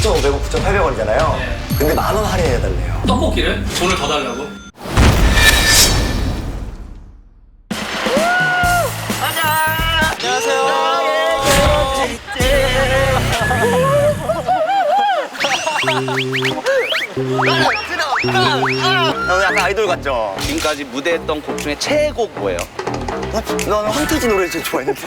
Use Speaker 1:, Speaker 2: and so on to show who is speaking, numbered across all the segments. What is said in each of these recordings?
Speaker 1: 9,500원, 9,800원이잖아요.
Speaker 2: 네.
Speaker 1: 근데 10,000원 할인해달래요.
Speaker 2: 떡볶이를 돈을 더 달라고?
Speaker 1: 약간 아이돌 같죠?
Speaker 3: 지금까지 무대했던 곡 중에 최애곡 뭐예요?
Speaker 1: 넌 황태지 노래 제일 좋아했는데.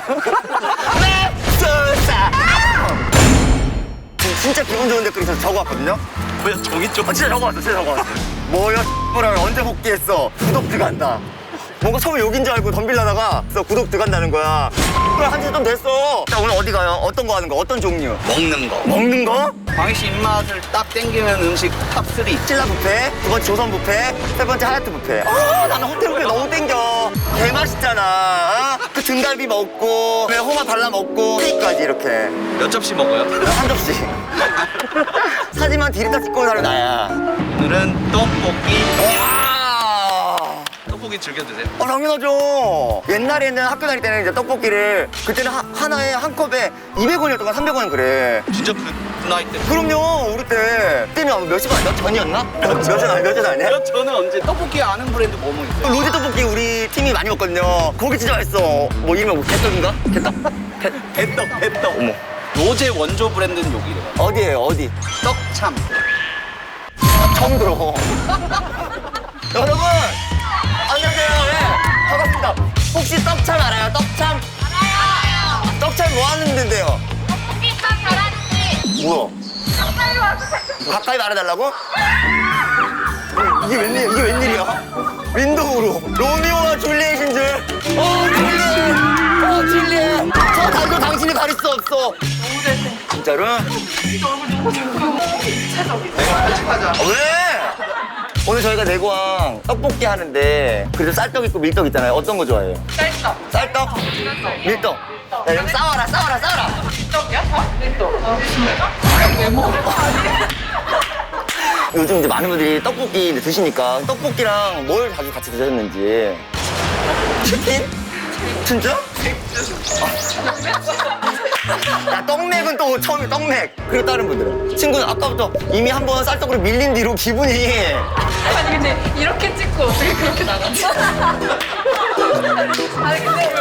Speaker 1: 진짜 기분 좋은 댓글 있어서 적어왔거든요?
Speaker 3: 뭐야 종이 쪽?
Speaker 1: 진짜 적어왔어, 진짜 적어왔어. 뭐야, 뭐라 언제 복귀했어? 구독 들어간다. 뭔가 처음에 욕인 줄 알고 덤빌려다가 그래서 구독 들어간다는 거야. 그래, 한지 좀 됐어. 자, 오늘 어디 가요? 어떤 거 하는 거? 어떤 종류?
Speaker 3: 먹는 거.
Speaker 1: 먹는 거?
Speaker 3: 광희 씨 입맛을 딱 땡기는 음식 탑3.
Speaker 1: 신라 뷔페, 두 번째 조선 뷔페, 세 번째 하얏트 뷔페. 나는 호텔 뷔페 너무 땡겨. 개맛있잖아. 그 등갈비 먹고, 그다음에 호마 발라 먹고, 케이크까지 이렇게.
Speaker 3: 몇 접시 먹어요?
Speaker 1: 한 접시. 사진만 디리다 찍고 온 사람이 나야.
Speaker 3: 오늘은 떡볶이.
Speaker 1: 와!
Speaker 3: 떡볶이 즐겨 드세요?
Speaker 1: 당연하죠. 옛날에는 학교 다닐 때는 이제 떡볶이를 그때는 하나에 한 컵에 200원이었던 거 300원 그래.
Speaker 3: 진짜 그 나이 때.
Speaker 1: 그럼요. 우리 때는 몇 시간 몇 전이었나? 몇 전 아니야?
Speaker 3: 저는 언제 떡볶이 아는 브랜드 뭐뭐 있어요?
Speaker 1: 로제 떡볶이 우리 팀이 많이 먹거든요. 거기 진짜 맛있어. 뭐 이름이 뭐 개떡인가? 개떡?
Speaker 3: 배떡.
Speaker 1: 어머.
Speaker 3: 로제 원조 브랜드는 여기래요.
Speaker 1: 어디에요? 어디?
Speaker 3: 떡참.
Speaker 1: 처음 들어. 여러분! 안녕하세요. 네, 반갑습니다. 혹시 떡참 알아요? 떡참?
Speaker 4: 알아요.
Speaker 1: 떡참 뭐 하는 데인데요?
Speaker 4: 떡볶이 참 잘하는지
Speaker 1: 뭐야?
Speaker 4: 가까이 와주세요.
Speaker 1: 가까이 말해달라고? 이게 웬일이야? 윈도우로 로미오와 줄리엣인 줄. 줄리엣. 저 달도 당신이 가릴 수 없어.
Speaker 4: 너무 잘생.
Speaker 1: 진짜로?
Speaker 3: 하자.
Speaker 1: 왜? 오늘 저희가 내고왕 떡볶이 하는데 그래도 쌀떡 있고 밀떡 있잖아요. 어떤 거 좋아해요?
Speaker 4: 쌀떡.
Speaker 1: 쌀떡? 밀떡? 야, 여기 싸워라.
Speaker 4: 밀떡이야? 밀떡. 진짜? 왜 먹어?
Speaker 1: 요즘 이제 많은 분들이 떡볶이 이제 드시니까 떡볶이랑 뭘 자주 같이 드셨는지. 치킨? 진짜? 야, 떡맥은 또 처음에 떡맥. 그리고 다른 분들은. 친구는 아까부터 이미 한번 쌀떡으로 밀린 뒤로 기분이.
Speaker 4: 아니 근데 이렇게 찍고 어떻게 그렇게 나가지? 아니 근데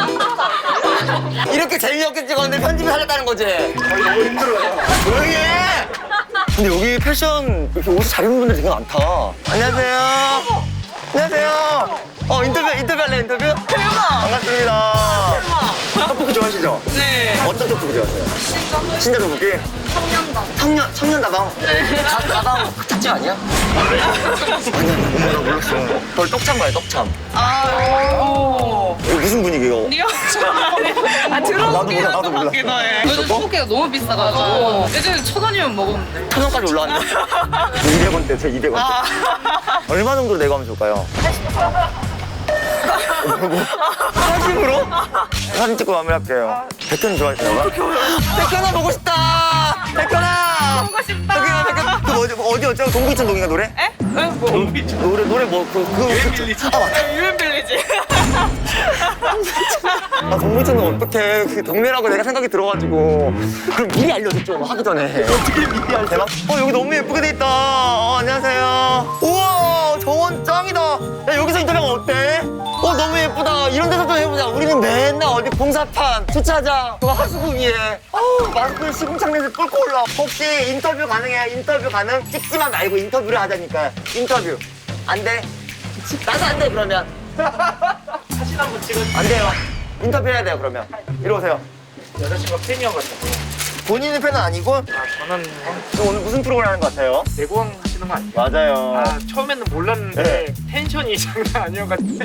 Speaker 4: 여기
Speaker 1: 이렇게 재미없게 찍었는데 편집이 살렸다는 거지? 너무 힘들어요. 조용히 해! 근데 여기 패션 이렇게 옷을 잘 입는 분들 되게 많다. 안녕하세요. 안녕하세요. 인터뷰할래, 인터뷰?
Speaker 4: 대박.
Speaker 1: 반갑습니다. 떡볶이 좋아하시죠?
Speaker 4: 네.
Speaker 1: 어떤 떡볶이 좋아하세요? 신자 떡볶이? 청년 다방?
Speaker 4: 네.
Speaker 1: 다방 특집 아니야? 아니야, 나 몰랐어. 저 떡참 봐요, 떡참.
Speaker 4: 오.
Speaker 1: 이거 무슨 분위기예요?
Speaker 4: 리얼. 아 들어보긴
Speaker 1: 나도
Speaker 4: 했던
Speaker 1: 몰라.
Speaker 4: 것 같긴 해. 요즘 떡볶이가 너무 비싸가지고 예전에 1,000원이면 먹었는데.
Speaker 1: 1,000원까지 올라왔네. 200원대, 제 200원대. 얼마 정도 내고 하면 좋을까요? 80으로? 사진 찍고 마무리할게요. 백현 좋아하시나요? 백현아 보고 싶다! 백현아!
Speaker 4: 보고 싶다.
Speaker 1: 백현아, 백현. 그 어디였죠? 동부이천동인가 노래?
Speaker 4: 에? 뭐?
Speaker 1: 노래 뭐, 아, 맞다.
Speaker 4: 유엔빌리지.
Speaker 1: 아, 동부이천동 어떡해. 그 동네라고 내가 생각이 들어가지고. 그럼 미리 알려줘, 좀 하기 전에. 어떻게 미리 알려? 대박. 여기 너무 예쁘게 돼 있다. 안녕하세요. 우와, 정원 짱이다. 야, 여기서 인터뷰하면 어때? 너무 예쁘다. 이런 데서 좀 해보자. 우리는 맨날 어디 공사판, 주차장, 또 하수구 위에. 마스크 시궁창내에서 뚫고 올라. 혹시 인터뷰 가능해요? 인터뷰 가능? 찍지만 말고 인터뷰를 하자니까. 인터뷰. 안 돼? 나도 안 돼, 그러면.
Speaker 2: 사진 한번 찍어주세요.
Speaker 1: 안 돼요. 인터뷰 해야 돼요, 그러면. 이리 오세요.
Speaker 2: 여자친구가 팬이어가지고.
Speaker 1: 본인은 팬은 아니고?
Speaker 2: 저는
Speaker 1: 오늘 무슨 프로그램 하는 것 같아요?
Speaker 2: 내고왕 하시는 거 아니에요?
Speaker 1: 맞아요.
Speaker 2: 처음에는 몰랐는데
Speaker 1: 네.
Speaker 2: 텐션이 장난 아니어가지고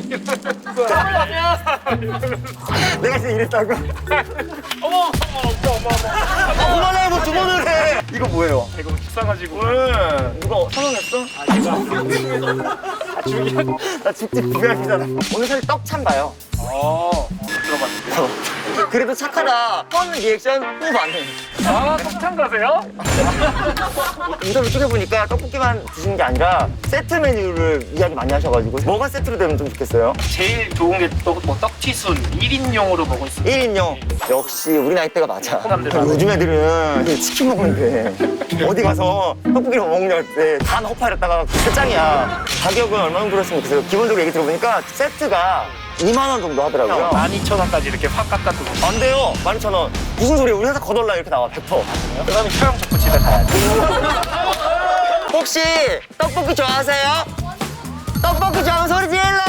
Speaker 1: 내가 진짜 이랬다고?
Speaker 2: 어머
Speaker 1: 그만해, 뭐 두 번을 해! 이거 뭐예요?
Speaker 2: 이거 비싸가지고
Speaker 1: 누가 선언했어?
Speaker 2: 제가
Speaker 1: 나 집집 구매하시잖아. 오늘 사실 떡참 봐요.
Speaker 2: 들어봤는데
Speaker 1: 그래도 착하다. 처음 리액션 후 반응.
Speaker 2: 아, 떡창 가세요?
Speaker 1: 인터뷰 찍어보니까 떡볶이만 드시는 게 아니라 세트 메뉴를 이야기 많이 하셔가지고 뭐가 세트로 되면 좀 좋겠어요?
Speaker 2: 제일 좋은 게 뭐 떡튀순 1인용으로 먹을 수 있어요.
Speaker 1: 1인용. 역시 우리 나이대가 맞아.
Speaker 2: 사람들
Speaker 1: 요즘 애들은 그냥 치킨 먹는데 어디 가서 떡볶이를 뭐 먹냐 할 때 다 허파였다가 끝장이야. 가격은 얼마 정도 했으면 좋겠어요? 기본적으로 얘기 들어보니까 세트가 2만 원 정도 하더라고요.
Speaker 2: 12,000원까지 이렇게 확 깎아두고.
Speaker 1: 안 돼요. 12,000원. 무슨 소리야. 우리 회사 거덜나 이렇게 나와. 100%.
Speaker 2: 그다음에 처형적고 집에 가야지.
Speaker 1: 혹시 떡볶이 좋아하세요? 떡볶이 좋아하면 소리 질러!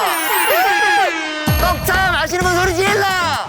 Speaker 1: 떡참 아시는 분 소리 질러!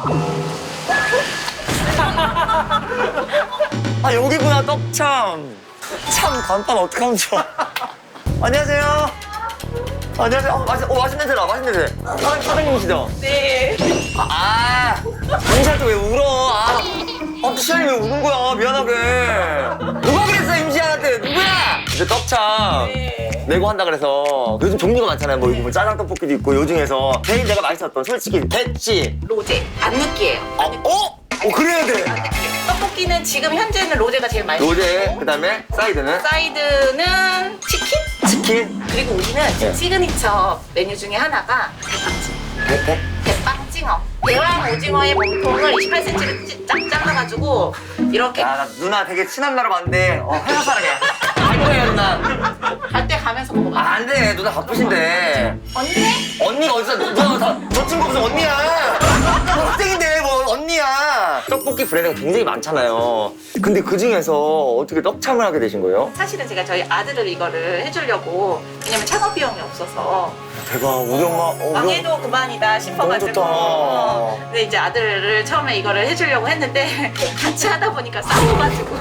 Speaker 1: 아 여기구나 떡참. 참 간판 어떡하면 좋아. 안녕하세요. 안녕하세요. 맛있는 냄새나. 맛있는 냄새. 사장님이시죠?
Speaker 4: 네.
Speaker 1: 임시할 때 왜 울어? 시안이 왜 우는 거야? 미안하게. 누가 그랬어, 임시한테? 누구야? 이제 떡참.
Speaker 4: 네.
Speaker 1: 내고 한다 그래서 요즘 종류가 많잖아요. 뭐 이거 뭐 짜장 떡볶이도 있고 요중에서 제일 내가 맛있었던 솔직히 배지.
Speaker 4: 로제. 안 느끼해요.
Speaker 1: 그래야 돼.
Speaker 4: 떡볶이는 지금 현재는 로제가 제일 맛있어요.
Speaker 1: 로제 그다음에 사이드는
Speaker 4: 사이드는 치킨?
Speaker 1: 치킨.
Speaker 4: 그리고 우리는
Speaker 1: 네.
Speaker 4: 시그니처 메뉴 중에 하나가 대빵찜. 대빵징어. 대왕 오징어의 몸통을 28cm로 쫙 잘라가지고 이렇게
Speaker 1: 야, 나 누나 되게 친한 나라 봤는데 회사 사람이야. 갈 거예요 누나.
Speaker 4: 갈 때 가면서 먹어봐.
Speaker 1: 안 돼. 누나 바쁘신데.
Speaker 4: 언니?
Speaker 1: 언니가 어디서 누나 너 친구 무슨 언니야? 너 학생인데 뭐 언니야? 떡볶이 브랜드가 굉장히 많잖아요. 근데 그 중에서 어떻게 떡참을 하게 되신 거예요?
Speaker 4: 사실은 제가 저희 아들을 이거를 해주려고 왜냐면 창업 비용이 없어서
Speaker 1: 대박 우리 엄마.
Speaker 4: 망해도 그만이다 싶어가지고
Speaker 1: 너무 좋다.
Speaker 4: 근데 이제 아들을 처음에 이거를 해주려고 했는데 같이 하다 보니까 싸워가지고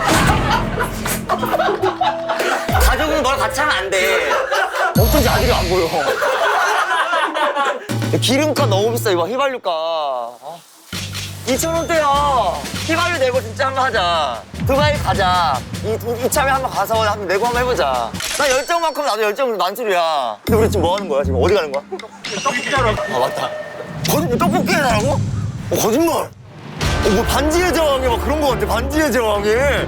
Speaker 1: 가족은 뭘 같이 하면 안 돼. 어쩐지 아들이 안 보여. 기름값 너무 비싸 이거 휘발유값. 2,000원대야. 휘발유 내고 진짜 한번 하자. 두바이 가자. 이참에 한번 가서 한번 내고 한번 해보자. 나 열정만큼 나도 열정은 만수리야. 근데 우리 지금 뭐 하는 거야? 지금 어디 가는 거야?
Speaker 2: 떡볶이처럼.
Speaker 1: 맞다. 떡볶이 해달라고? 거짓말. 뭐 반지의 제왕에 막 그런 거 같아. 반지의 제왕에.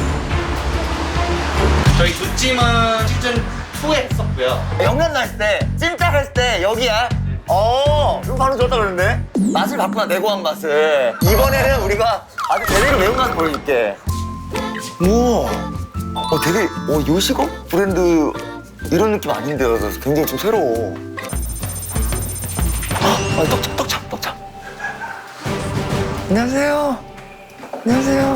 Speaker 3: 저희 두 찜은 시즌 2에 했었고요.
Speaker 1: 영란 했을 때, 찜닭 했을 때 여기야. 이거 바로 좋았다 그러는데? 맛을 바꾸나, 내고한 맛을. 이번에는 우리가 아주 제대로 매운 맛을 보여줄게. 우와. 되게, 요식업 브랜드 이런 느낌 아닌데요. 그래서 굉장히 좀 새로워. 떡참. 안녕하세요. 안녕하세요.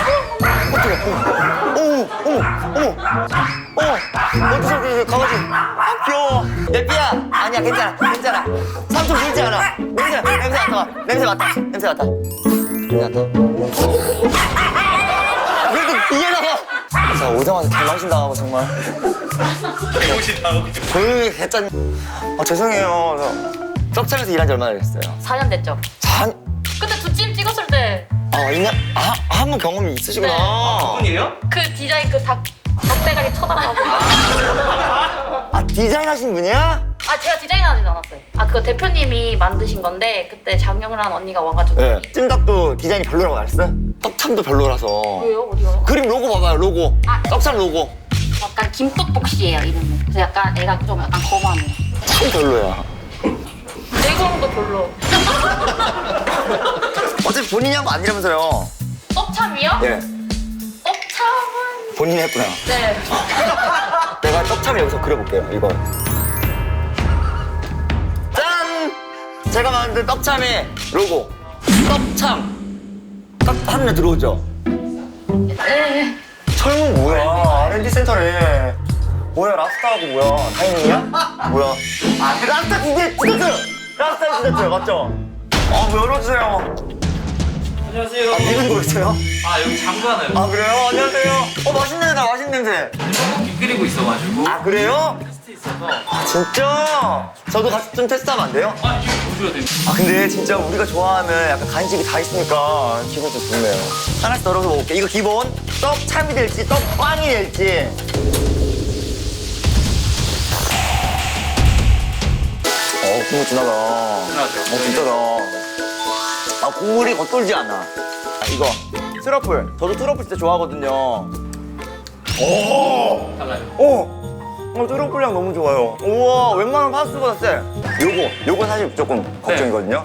Speaker 1: 어디서 강아지. 귀여워. 내 삐야. 아니야, 괜찮아. 삼촌 들지 않아. 냄새 맡아. 그래도 이해나가. 자, 오자마자 개망신 당하고 정말.
Speaker 3: 개무신 나오고.
Speaker 1: 조용히 개짠. 죄송해요. 떡참에서 일한 지 얼마나 됐어요?
Speaker 5: 4년 됐죠. 그때 두 찜 찍었을 때
Speaker 1: 한 번 경험이 있으시구나.
Speaker 3: 분이에요?
Speaker 5: 그 디자인 그 닭대가리 쳐다보고
Speaker 1: 디자인 하신 분이야?
Speaker 5: 제가 디자인하진 않았어요. 그거 대표님이 만드신 건데 그때 장영란 언니가 와가지고
Speaker 1: 네. 찜닭도 디자인이 별로라고 말했어요? 떡참도 별로라서.
Speaker 5: 왜요? 어디가요?
Speaker 1: 그림 로고 봐봐요, 로고. 떡참 로고.
Speaker 5: 약간 김떡볶이예요 이름은. 그래서 약간 애가 좀 약간 거만해.
Speaker 1: 참 별로야.
Speaker 5: 내공도 별로.
Speaker 1: 어차피 본인이 한 거 아니라면서요.
Speaker 5: 떡참이요?
Speaker 1: 예.
Speaker 5: 떡참은
Speaker 1: 본인이 했구나.
Speaker 5: 네.
Speaker 1: 내가 떡참을 여기서 그려볼게요, 이거. 짠! 제가 만든 떡참의 로고. 떡참. 딱 하늘에 들어오죠?
Speaker 5: 네.
Speaker 1: 철문 뭐야? R&D 센터네. 뭐야, 라스타하고 뭐야? 다이닝이야? 뭐야? 라스타 디저트 맞죠? 뭐 열어주세요.
Speaker 3: 안녕하세요.
Speaker 1: 미군 거 있어요?
Speaker 3: 여기 장관을
Speaker 1: 그래요? 안녕하세요. 맛있는 냄새.
Speaker 3: 떡볶이 끓이고 있어가지고.
Speaker 1: 그래요?
Speaker 3: 테스트 있어서.
Speaker 1: 진짜? 저도 같이 좀 테스트하면 안 돼요?
Speaker 3: 이거 보셔야 돼요.
Speaker 1: 근데 진짜 우리가 좋아하는 약간 간식이 다 있으니까 기분 좀 좋네요. 하나씩 덜어서 먹을게. 이거 기본 떡참이 될지 떡빵이 될지. 국물 진하다.
Speaker 3: 진하죠.
Speaker 1: 진짜다. 국물이 겉돌지 않아. 아, 이거 트러플. 저도 트러플 진짜 좋아하거든요. 오!
Speaker 2: 달라요.
Speaker 1: 트러플 향 너무 좋아요. 우와, 웬만한 파스보다 세. 요거 사실 조금 걱정이거든요.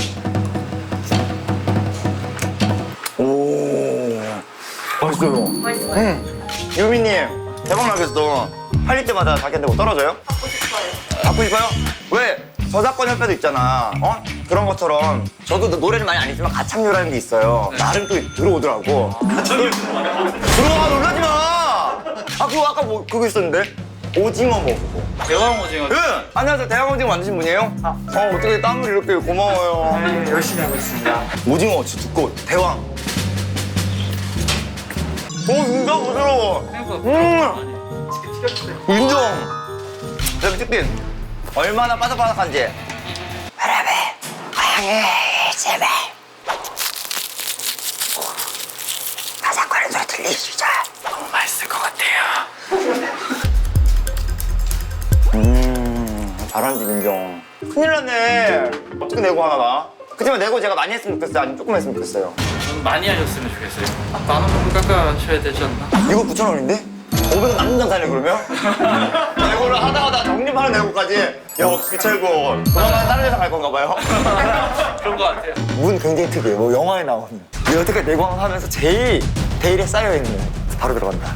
Speaker 1: 오, 맛있어요.
Speaker 5: 맛있어요.
Speaker 1: 유미님, 대박 나겠어. 팔릴 때마다 자기한테 뭐 떨어져요?
Speaker 5: 갖고 싶어요.
Speaker 1: 갖고 싶어요? 왜? 저작권 협회도 있잖아. 그런 것처럼 저도 노래를 많이 안 했지만 가창료라는 게 있어요. 나름 또 들어오더라고. 들어와, 놀라지 마. 그거 아까 뭐 그거 있었는데 오징어 먹고.
Speaker 2: 대왕 오징어.
Speaker 1: 네. 안녕하세요. 대왕 오징어 만드신 분이에요? 어떻게 땀을 이렇게 고마워요.
Speaker 2: 네, 열심히 하고 있습니다.
Speaker 1: 오징어 진짜 두꺼워. 대왕. 진짜 부드러워. 인정. 그다음에 치킨. 얼마나 바삭바삭한지. 바람에 고향에 제발. 바삭거리는 소리 들리시죠? 너무 맛있을 것 같아요. 잘하는 집 인정. 큰일 났네. 어떻게 내고 하나 나? 그치만 내고 제가 많이 했으면 좋겠어요? 아니면 조금 했으면 좋겠어요?
Speaker 2: 좀 많이 하셨으면 좋겠어요. 10,000원 정도 깎아셔야 되지 않나?
Speaker 1: 이거 9,000원인데? 500원 남는 장사네 그러면? 내고를 하다가 적립하는 내고까지 역시 최고. 조만간 다른 회사 갈 건가 봐요.
Speaker 2: 그런 거 같아요.
Speaker 1: 문 굉장히 특이해요. 뭐 영화에 나오는. 여태까지 내고항 하면서 제일 데일에 쌓여있는. 바로 들어간다.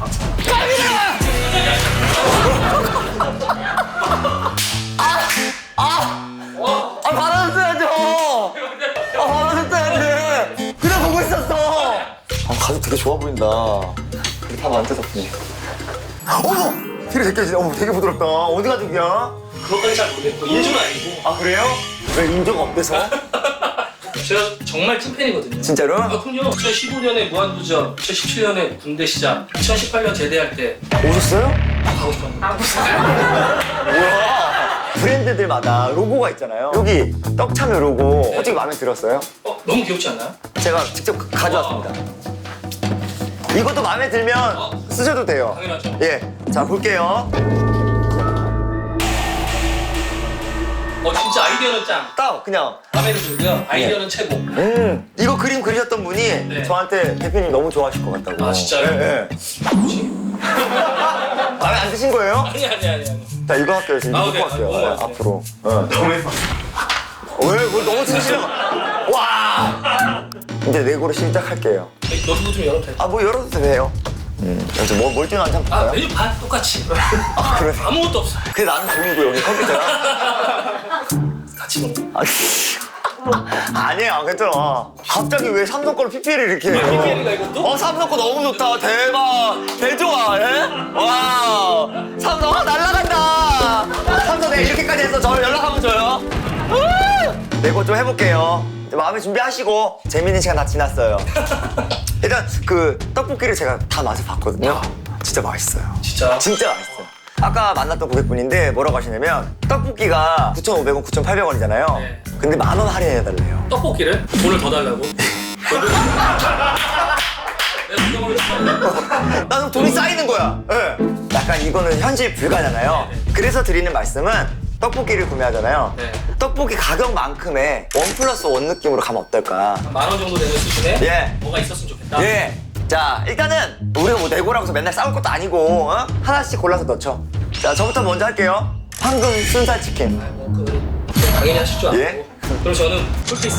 Speaker 1: 받아줬어야죠. 받아줬어야지. 그냥 보고 있었어. 가죽 되게 좋아 보인다. 되게 다 만져 덕분에. 어머! 되게 느껴지네. 어머, 되게 부드럽다. 어디 가죽이야?
Speaker 6: 그것까지 잘 모르겠고 인주는 아니고
Speaker 1: 아, 그래요? 왜 인조가 없대서?
Speaker 6: 제가 정말 찐팬이거든요.
Speaker 1: 진짜로?
Speaker 6: 그럼요. 2015년에 무한도전, 2017년에 군대 시작, 2018년 제대할 때
Speaker 1: 오셨어요?
Speaker 6: 가고 싶었는데
Speaker 1: 뭐야? 브랜드들마다 로고가 있잖아요. 여기 떡참여 로고 솔직히 마음에 들었어요?
Speaker 6: 너무 귀엽지 않나요?
Speaker 1: 제가 직접 가져왔습니다. 이것도 마음에 들면 쓰셔도 돼요.
Speaker 6: 당연하죠.
Speaker 1: 예, 자 볼게요.
Speaker 6: 진짜 아이디어는 짱.
Speaker 1: 딱 그냥
Speaker 6: 마음에 들고요. 아이디어는 최고.
Speaker 1: 이거 그림 그리셨던 분이
Speaker 6: 네.
Speaker 1: 저한테 대표님 너무 좋아하실 것 같다고.
Speaker 6: 아, 진짜요?
Speaker 1: 예, 예.
Speaker 6: 뭐지?
Speaker 1: 마음에 안 드신 거예요?
Speaker 6: 아니.
Speaker 1: 자 이거 할게요. 지금 이거
Speaker 6: 네.
Speaker 1: 갖고 왔어요.
Speaker 6: 너무
Speaker 1: 예,
Speaker 6: 맛있어요.
Speaker 1: 앞으로. 너무 예뻐. 왜? 뭘 너무 진실해. 와! 이제 내고를 시작할게요.
Speaker 6: 너도 좀 열어도 돼.
Speaker 1: 뭐 열어도 돼요. 여기서 뭘 뛰는 한참 볼까요?
Speaker 6: 메뉴 반 똑같이.
Speaker 1: 그래.
Speaker 6: 아무것도 없어.
Speaker 1: 그게 나는 돈이고 여기 컴퓨터야?
Speaker 6: 같이 먹는.
Speaker 1: 아니야, 괜찮아. 갑자기 왜 삼성 거를 PPL을 이렇게 해요?
Speaker 6: PPL인가 이것도?
Speaker 1: 삼성 거 너무 좋다. 대박. 대좋아, 예? 와. 삼성, 날라간다. 삼성 내가 이렇게까지 해서 저 연락하면 줘요. 내고 좀 해볼게요. 이제 마음의 준비하시고. 재밌는 시간 다 지났어요. 일단 그 떡볶이를 제가 다 맛을 봤거든요. 진짜 맛있어요.
Speaker 6: 진짜.
Speaker 1: 진짜 맛있어요. 아까 만났던 고객분인데 뭐라고 하시냐면 떡볶이가 9,500원, 9,800원이잖아요.
Speaker 6: 네.
Speaker 1: 근데 10,000원 할인해달래요.
Speaker 6: 떡볶이를 돈을 더 달라고. 내가 돈을 더
Speaker 1: 나는 돈이 쌓이는 거야. 예. 약간 이거는 현실 불가잖아요. 그래서 드리는 말씀은 떡볶이를 구매하잖아요.
Speaker 6: 네.
Speaker 1: 떡볶이 가격만큼의 1+1 느낌으로 가면 어떨까?
Speaker 6: 10,000원 정도 되는 수준에
Speaker 1: 예.
Speaker 6: 뭐가 있었으면 좋겠다.
Speaker 1: 예. 자, 일단은 우리가 뭐 내고라고 해서 맨날 싸울 것도 아니고 하나씩 골라서 넣죠. 자, 저부터 먼저 할게요. 황금 순살 치킨.
Speaker 6: 당연히 하실 줄 알고.
Speaker 1: 예?
Speaker 6: 그럼 저는 풀피스.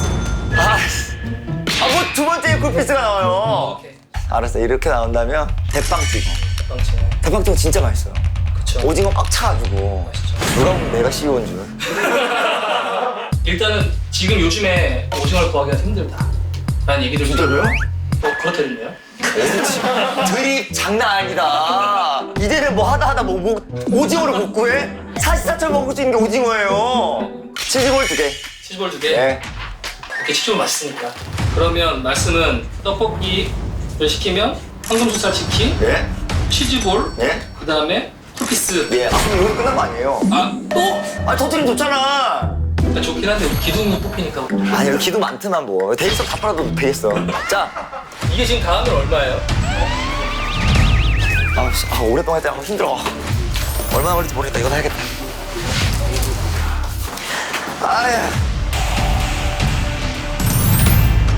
Speaker 1: 뭐 두 번째 쿨피스가 나와요.
Speaker 6: 오케이.
Speaker 1: 알았어, 이렇게 나온다면 대빵찍어.
Speaker 6: 빵치네.
Speaker 1: 대빵찍어 진짜 맛있어요.
Speaker 6: 그쵸.
Speaker 1: 오징어 꽉 차가지고
Speaker 6: 맛있죠.
Speaker 1: 누가 보면 내가 CEO인 줄.
Speaker 6: 일단은 지금 요즘에 오징어를 구하기가 힘들다. 라는 얘기들
Speaker 1: 진짜로요?
Speaker 6: 그렇다는데요?
Speaker 1: 드립 장난 아니다. 이제는 뭐 하다 뭐 오징어를 못 구해? 사시사철 먹을 수 있는 게 오징어예요. 치즈볼 2개.
Speaker 6: 치즈볼 2개?
Speaker 1: 예.
Speaker 6: 이렇게 치즈볼 맛있으니까. 그러면 말씀은 떡볶이를 시키면 황금수살 치킨,
Speaker 1: 예.
Speaker 6: 치즈볼,
Speaker 1: 예.
Speaker 6: 그 다음에 풀피스.
Speaker 1: 예. 그럼 이거 끝난 거 아니에요?
Speaker 6: 또?
Speaker 1: 터트리면 좋잖아.
Speaker 6: 좋긴 한데 기둥이 뽑히니까.
Speaker 1: 아니, 여기 기도 많더만 뭐. 대리석 다 팔아도 되겠어. 자.
Speaker 6: 이게 지금 다 하면 얼마예요?
Speaker 1: 오랫동안 했다 힘들어. 얼마나 걸릴지 모르겠다. 이거 해야겠다. 아야.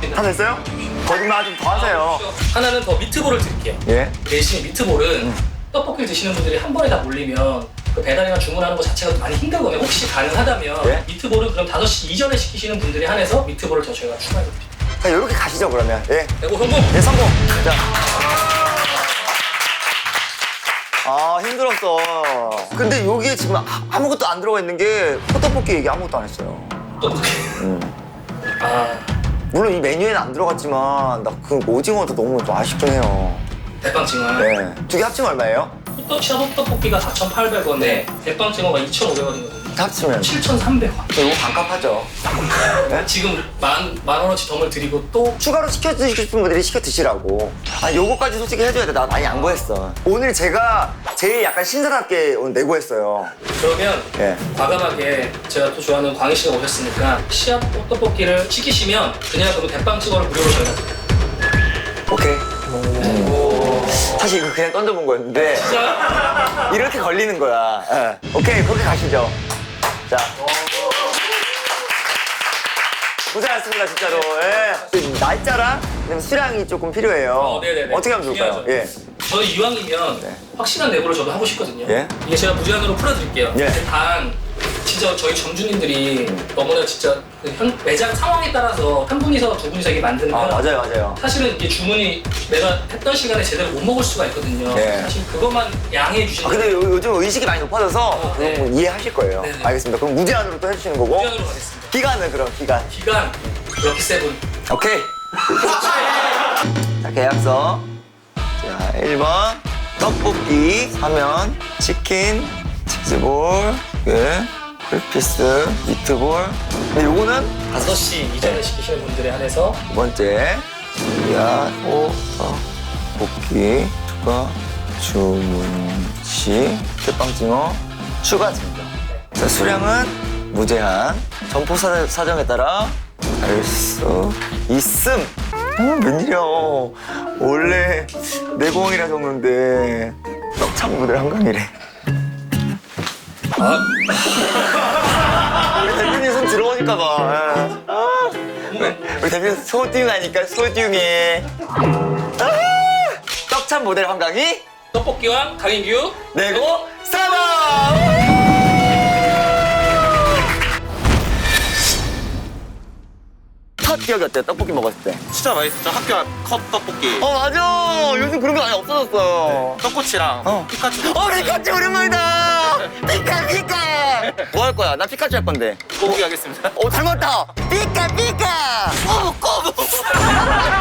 Speaker 1: 다 됐어요? 거짓말 좀 더 하세요.
Speaker 6: 하나는 더 미트볼을 드릴게요.
Speaker 1: 예?
Speaker 6: 대신 미트볼은 떡볶이를 드시는 분들이 한 번에 다 몰리면 그 배달이나 주문하는 것 자체가 많이 힘들거든요. 혹시 가능하다면
Speaker 1: 예?
Speaker 6: 미트볼은 그럼 5시 이전에 시키시는 분들이 한해서 미트볼을 더 저희가 추가해드릴게요.
Speaker 1: 자, 이렇게 가시죠, 그러면. 예.
Speaker 6: 그리고 성공!
Speaker 1: 예, 성공. 자. 아, 힘들었어. 근데 여기에 지금 아무것도 안 들어가 있는 게 호떡볶이 얘기 아무것도 안 했어요.
Speaker 6: 떡볶이. 아,
Speaker 1: 물론 이 메뉴에는 안 들어갔지만 나 그 오징어도 너무 좀 아쉽긴 해요.
Speaker 6: 대빵징어.
Speaker 1: 네. 두 개 합치면 얼마예요?
Speaker 6: 호떡볶이가 4,800원에 대빵징어가 2,500원이거든요.
Speaker 1: 합치면
Speaker 6: 7,300원.
Speaker 1: 저 이거 반값 하죠. 네?
Speaker 6: 지금 만 원어치 덤을 드리고 또
Speaker 1: 추가로 시켜 드시고 싶은 분들이 시켜 드시라고. 아, 요거까지 솔직히 해줘야 돼. 나 많이 양보했어. 오늘 제가 제일 약간 신선하게 오늘 내고했어요.
Speaker 6: 그러면
Speaker 1: 예.
Speaker 6: 과감하게 제가 또 좋아하는 광희 씨가 오셨으니까 씨앗 떡볶이를 시키시면 그냥 그럼 대빵징어를 무료로 저희가 드려요.
Speaker 1: 오케이. 사실 이거 그냥 던져본 거였는데
Speaker 6: 진짜?
Speaker 1: 이렇게 걸리는 거야. 예. 오케이, 그렇게 가시죠. 자. 고생하셨습니다, 진짜로. 예. 날짜랑 그다음에 수량이 조금 필요해요.
Speaker 6: 네네네.
Speaker 1: 어떻게 하면 좋을까요?
Speaker 6: 중요하죠.
Speaker 1: 예.
Speaker 6: 저는 이왕이면
Speaker 1: 네.
Speaker 6: 확실한 내고를 저도 하고 싶거든요.
Speaker 1: 예.
Speaker 6: 이게 제가 무제한으로 풀어드릴게요.
Speaker 1: 예.
Speaker 6: 근데 단 진짜 저희 점주님들이 너무나 진짜 그 매장 상황에 따라서 한 분이서 두 분이서 이게 만드는
Speaker 1: 아,
Speaker 6: 건
Speaker 1: 맞아요.
Speaker 6: 사실은 이게 주문이 내가 했던 시간에 제대로 못 먹을 수가 있거든요.
Speaker 1: 네.
Speaker 6: 사실 그것만 양해해
Speaker 1: 아,
Speaker 6: 주시면
Speaker 1: 근데 요즘 의식이 많이 높아져서
Speaker 6: 네.
Speaker 1: 그건 뭐 이해하실 거예요.
Speaker 6: 네, 네.
Speaker 1: 알겠습니다. 그럼 무제한으로 또 해주시는 거고.
Speaker 6: 무제한으로 가겠습니다.
Speaker 1: 기간은 그럼 기간.
Speaker 6: 기간 럭키 세븐.
Speaker 1: 오케이. 자, 계약서. 자, 1번. 떡볶이 사면 치킨, 치즈볼, 풀피스, 미트볼. 근데 요거는
Speaker 6: 5시 이전에 시키시는 분들에 한해서
Speaker 1: 두 번째. 야, 떡볶이 추가 주문 시 대빵징어 추가 증정. 자, 수량은 무제한. 점포 사정에 따라 할 수 있음. 웬일이야. 원래 내공이라 적는데 떡참 무대 한강이래. 우리 대표님 손 들어오니까 봐. 우리 대표님 소중하니까 소중해. 떡참 모델 한강이
Speaker 6: 떡볶이와 강인규
Speaker 1: 내고 사방. 첫 기억이 어때요? 떡볶이 먹었을 때.
Speaker 3: 진짜 맛있었죠. 학교 컵 떡볶이.
Speaker 1: 맞아. 요즘 그런 거 많이 없어졌어요.
Speaker 3: 떡꼬치랑 피카츄.
Speaker 1: 피카츄 오랜만이다. 피카. 뭐 할 거야? 나 피카츄 할 건데.
Speaker 3: 꼬부기 하겠습니다.
Speaker 1: 닮았다. 피카. 꼬부.